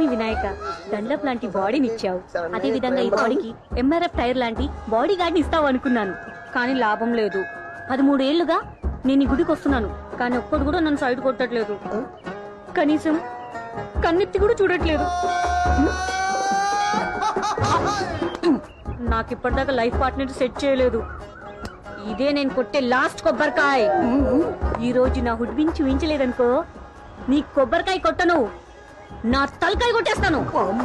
రుక్మిణి వినాయక డండప్ లాంటి బాడీని ఇచ్చావు. అదే విధంగా ఈ బాడీకి ఎంఆర్ఎఫ్ టైర్ లాంటి బాడీ గార్డ్ని ఇస్తావు అనుకున్నాను, కానీ లాభం లేదు. 13 ఏళ్లుగా నేను ఈ గుడికి వస్తున్నాను, కానీ ఒక్కడు కూడా నన్ను సైడ్ కొట్టట్లేదు. కనీసం కన్నెత్తి కూడా చూడట్లేదు. నాకు ఇప్పటిదాకా లైఫ్ పార్ట్నర్ సెట్ చేయలేదు. ఇదే నేను కొట్టే లాస్ట్ కొబ్బరికాయ. ఈ రోజు నా హుడ్బిన్ చూపించలేదనుకో, నీ కొబ్బరికాయ కొట్టను, నా తలకాయ కొట్టేస్తాను.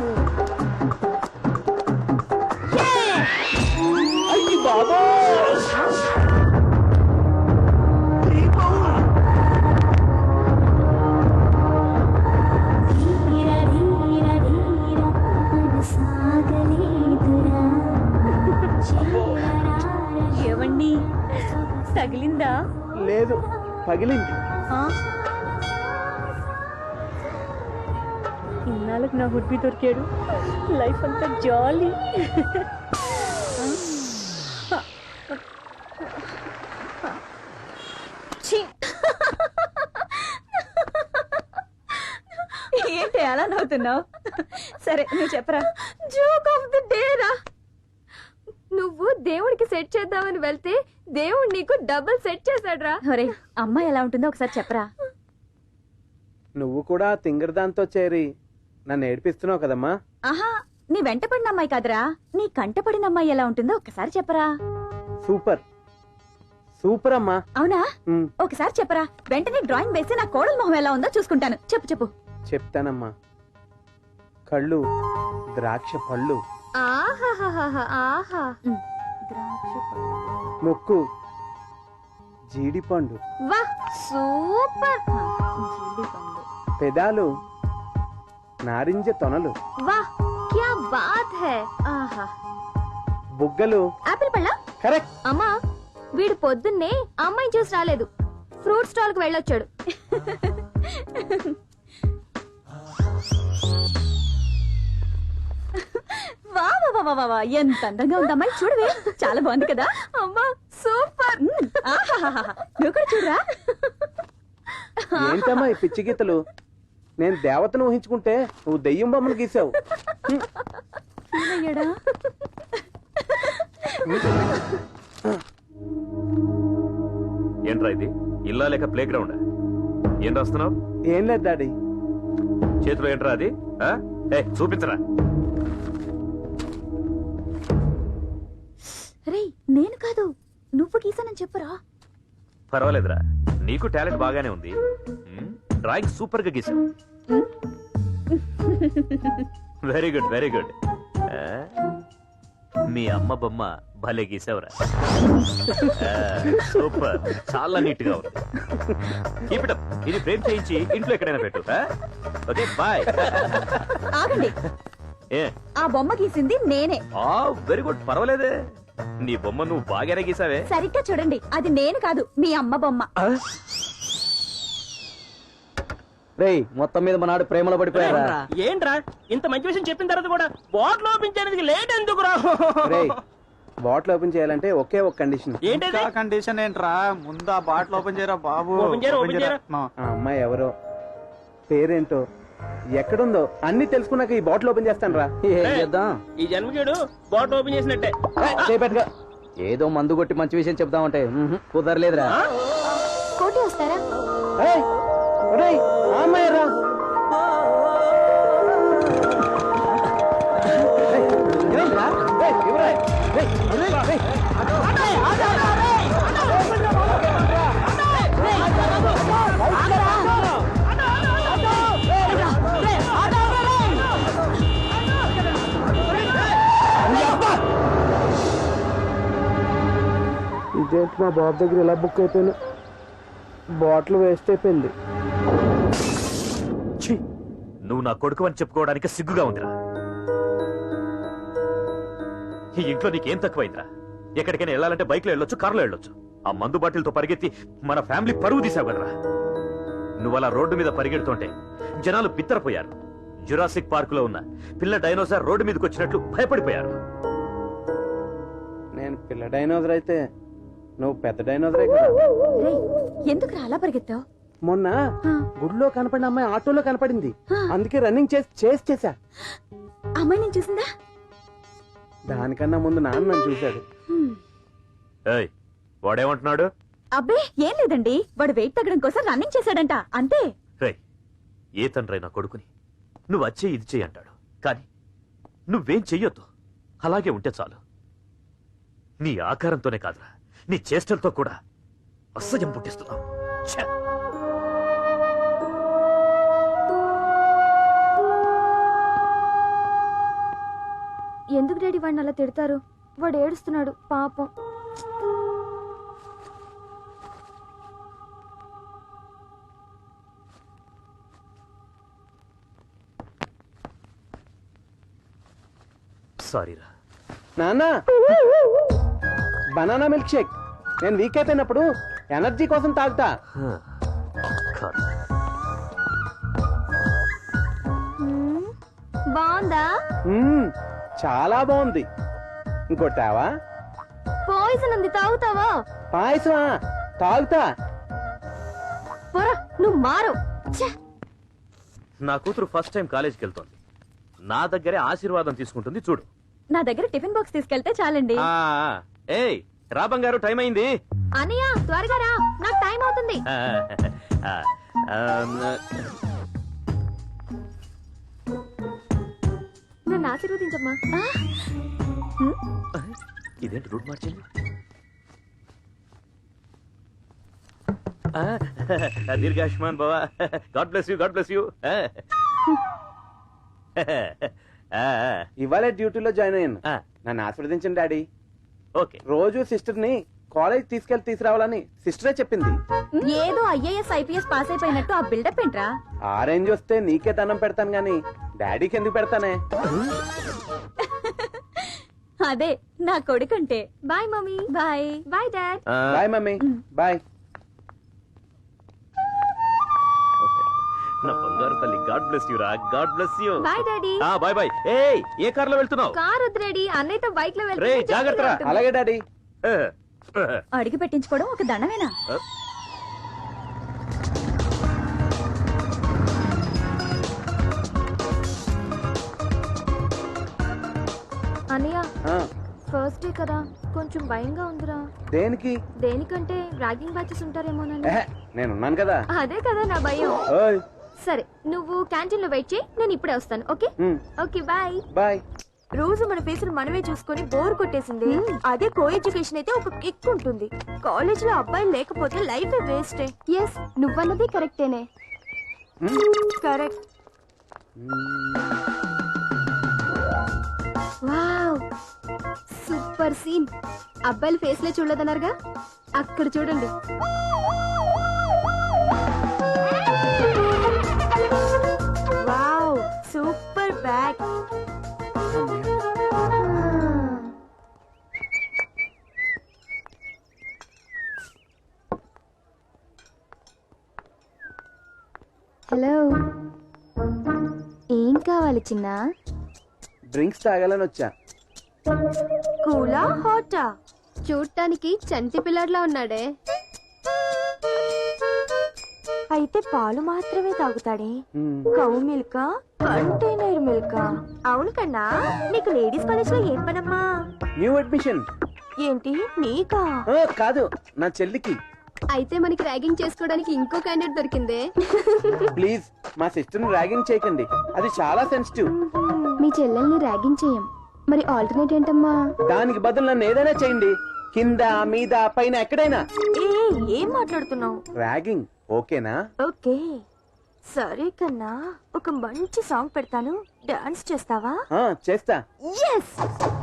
ఏవండి, తగిలిందా? లేదు, పగిలింది. ఇన్నాళ్ళకి నా హుడ్బి దొరికాడు. లైఫ్ అంతా జాలీ. ఏంటి అలా నవ్వుతున్నావు? సరే నువ్వు చెప్పరా. జోక్ ఆఫ్ ది డే రా. నువ్వు దేవుడికి సెట్ చేద్దామని వెళ్తే దేవుడు నీకు డబుల్ సెట్ చేశాడు రా. ఒరే, అమ్మాయి ఎలా ఉంటుందో ఒకసారి చెప్పరా. నువ్వు కూడా తింగరదాంతో చేరి నన్ను ఏడిపిస్తున్నావు కదమ్మా. ఆహా, నీ వెంట పడిన అమ్మాయి కాదురా, నీ కంట పడిన అమ్మాయి ఎలా ఉంటుందో ఒకసారి చెప్పరా. సూపర్ సూపర్ అమ్మా. అవునా? ఒకసారి చెప్పరా. వెంటనే డ్రాయింగ్ వేసి నా కోడల మొహం ఎలా ఉందో చూసుకుంటాను. చెప్పు చెప్పు. చెప్తానమ్మా. కళ్ళు ద్రాక్ష పళ్ళు, ముక్కు జీడిపండు, సూపర్. పెదాలు నారింజ తొనలు, క్యా బాత్ హై. ఆహా. బుగ్గలు ఆపిల్ పళ్ళ. కరెక్ట్. అమ్మా, వీడు పొద్దున్నే అమ్మాయి చూసి రాలేదు, ఫ్రూట్ స్టాల్ కు వెళ్ళొచ్చాడు. ఎంత అందంగా ఉంది అమ్మాయి, చూడవే. చాలా బాగుంది కదా. అమ్మా సూపర్. నువ్వు కూడా చూడరా. ఏంటమ్మా ఈ పిచ్చి గీతలు? నేను దేవతను ఊహించుకుంటే నువ్వు దెయ్యం బొమ్మను గీసావు. ఏంట్రా ఇది? ఇల్లా లేక ప్లే గ్రౌండ్? ఏం రాస్తున్నావు? ఏం లేదు డాడీ. చేతిలో ఏంట్రా అది? చూపించరా. రే, నేను కాదు, నువ్వు గీసానని చెప్పరా. పర్వాలేదురా, నీకు టాలెంట్ బాగానే ఉంది. డ్రాయింగ్ సూపర్ గా గీసావు. Very good very good. మీ అమ్మ బొమ్మ భలే గీసావురా. సూపర్, చాలా నీట్ గా ఉంది. Keep it up. ఇది ఫ్రేమ్ చేయించి ఇంట్లో ఎక్కడైనా పెట్టు. Okay bye. ఆగండి, ఆ బొమ్మ గీసింది నేనే. వెరీ గుడ్, పర్వాలేదే. నీ బొమ్మ నువ్వు బాగానే గీసావే. సరిగ్గా చూడండి, అది నేను కాదు, మీ అమ్మ బొమ్మ. రేయ్, మొత్తం మీద మనాడు ప్రేమలో పడిపోయారా? ఏంట్రా ఇంత మంచి విషయం చెప్పిన తర్వాత కూడా బాటిల్ ఓపెన్ చేయడానికి లేట్ ఎందుకు రా? బాటిల్ ఓపెన్ చేయాలంటే ఒకే ఒక కండిషన్. ఏంటి కండిషన్? ఏంట్రా, ముందు ఆ బాటిల్ ఓపెన్ చేయరా బాబు. ఆ అమ్మాయి ఎవరో, పేరేంటో, ఎక్కడుందో అన్ని తెలుసుకున్నాక ఈ బాటిల్ ఓపెన్ చేస్తాను రా. ఏం చేద్దాం? ఈ జన్మకేడు బాటిల్ ఓపెన్ చేసినట్టే. ఏదో మందు కొట్టి మంచి విషయం చెప్దామంటే కుదరలేదురా. కోటి వస్తారా? అమ్మాయి రా. ఇదేంటి మా బాబు దగ్గర ఇలా బుక్ అయిపోయినా, బాటిల్ వేస్ట్ అయిపోయింది. నువ్వు నా కొడుకు అని చెప్పుకోవడానికి సిగ్గుగా ఉందిరా. ఈ ఇంట్లో నీకేం తక్కువైందిరా? ఎక్కడికైనా వెళ్ళాలంటే బైక్ లో వెళ్ళొచ్చు, కారులో వెళ్ళొచ్చు. ఆ మందు బాటిల్తో పరిగెత్తి మన ఫ్యామిలీ పరువు తీసావు కదరా. నువ్వు అలా రోడ్డు మీద పరిగెడుతుంటే జనాలు బిత్తరపోయారు. జురాసిక్ పార్క్ లో ఉన్న పిల్ల డైనోసార్ రోడ్డు మీదకి వచ్చినట్లు భయపడిపోయారు. నేను పిల్ల డైనోసర్ అయితే నువ్వు పెద్ద డైనోసరే కదా. ఎందుకు అలా పరిగెత్తావు? మొన్న గుడిలో కనపడిన అమ్మాయి ఆటోలో కనపడింది. అందుకే రన్నింగ్ చేసా. అమ్మాయి నేను చూసిందా? దానికన్నా ముందు నాన్న నన్ను చూశాడు. ఏయ్, వాడేమంటున్నాడు? అబ్బే ఏం లేదండి, వాడు వెయిట్ తగ్గడం కోసం రన్నింగ్ చేశాడంట, అంతే. రేయ్, ఏ తండ్రి నా కొడుకుని నువ్వు వచ్చే ఇది చెయ్యి అంటాడు, కానీ నువ్వేం చెయ్యొద్దు. అలాగే ఉంటే చాలు. నీ ఆకారంతోనే కాదురా, నీ చేష్టలతో కూడా అసహ్యం పుట్టిస్తున్నావు. ఛే! ఎందుకు డాడీ వాడిని అలా తిడతారు? వాడు ఏడుస్తున్నాడు పాపం. సారీరా. నాన్న, బనానా మిల్క్ షేక్. నేను వీక్ అయిపోయినప్పుడు ఎనర్జీ కోసం తాగుతా. కాదు. బాగుందా? చాలా బాగుంది. ఇంకోటావా? పాయిజన్ ఉంది, తాగుతావా? పాయసమా? తాగుతా. పోరా, నువ్వు మారు. నా కూతురు ఫస్ట్ టైం కాలేజీకి వెళ్తోంది. నా దగ్గరే ఆశీర్వాదం తీసుకుంటుంది చూడు. నా దగ్గర టిఫిన్ బాక్స్ తీసుకెళ్తే చాలండి. ఏయ్ రా బంగారు, టైం అయింది. అన్నయ్య త్వరగా రా, నాకు టైం అవుతుంది. నన్ను ఆశీర్వదించమ్మా. ఇదేంటి రూట్ మార్చింది? దీర్ఘాయుష్మాన్ బావా, god bless you, god bless you. ఇవాళ డ్యూటీలో జాయిన్ అయ్యాను. నన్ను ఆశీర్వదించండి డాడీ. ఓకే. రోజు సిస్టర్ ని కాలేజ్ తీసుకురావాలని సిస్టరే చెప్పింది. ఏదో IAS IPS పాస్ అయిపోయినట్టు ఆ బిల్డప్ ఏంట్రా? ఆ రేంజ్ వస్తే నీకే దండం పెడతాను గాని డాడీకి ఎందుకు పెడతానే? అదే నా కొడుకంటే. Bye mummy. Bye bye dad. Bye mummy. Bye. నా బంగారు తల్లి, గాడ్ బ్లెస్ యూ రా, god bless you. Bye daddy. Bye bye. ఏయ్, ఏ కార్ లో వెళ్తున్నావు? కార్ వద్దు డాడీ, అన్నయ్యతో బైక్ లో రే జాగ్రత్త రా. అలాగే డాడీ. అడిగి పెట్టించుకోవడం ఒక దండమేనా? అన్నయ్య, ఫస్ట్ డే కదా, కొంచెం భయంగా ఉందిరా. దేనికి? దేనికంటే ర్యాగింగ్ బ్యాచెస్ ఉంటారేమోనని. నేనున్నాను కదా. అదే కదా నా భయం. ఓయ్. సరే, నువ్వు క్యాంటీన్ లో వెయిట్ చేయి, నేను ఇప్పుడే వస్తాను. Okay okay bye. బాయ్. రోజు మన ఫేసులు మనమే చూసుకొని బోర్ కొట్టేసింది. అదే కో ఎడ్యుకేషన్ అయితే ఒక కిక్ ఉంటుంది. కాలేజ్ లో అబ్బాయిలు లేకపోతే లైఫ్ వేస్ట్. ఎస్, నువ్వన్నది కరెక్టేనే. కరెక్ట్. Wow, super scene. అబ్బాయిల ఫేస్ లే చూడలేదన్నారుగా, అక్కడ చూడండి. Wow, super bag. హలో, ఏం కావాలి చిన్న? డ్రింక్స్ తాగాలని వచ్చా. కూలా హాటా? చూడటానికి చంటి పిల్లడ్లా ఉన్నాడే. అయితే పాలు మాత్రమే తాగుతాడే. కౌ మిల్కా, కంటైనర్ మిల్కా? అవును కన్నా, నీకు లేడీస్ కాలేజ్ లో ఏం పనమ్మా? New admission. ఏంటి నీకా? కాదు, నా చెల్లికి. అయితే మనకి ర్యాగింగ్ చేసుకోవడానికి ఇంకో క్యాండిడేట్ దొరికిందే. ప్లీజ్ మా సిస్టర్ ని ర్యాగింగ్ చేయకండి, అది చాలా సెన్సిటివ్. మీ చెల్లెల్ని ర్యాగింగ్ చేయం, మరి ఆల్టర్నేట్ ఏంటమ్మా? దానికి బదులు నన్ను ఏదైనా చేయండి, కింద మీద పైన ఎక్కడైనా. ఏం మాట్లాడుతున్నావు? ర్యాగింగ్ ఓకేనా? ఓకే సరే కన్నా, ఒక మంచి సాంగ్ పెడతాను, డాన్స్ చేస్తావా? చేస్తా. ఎస్.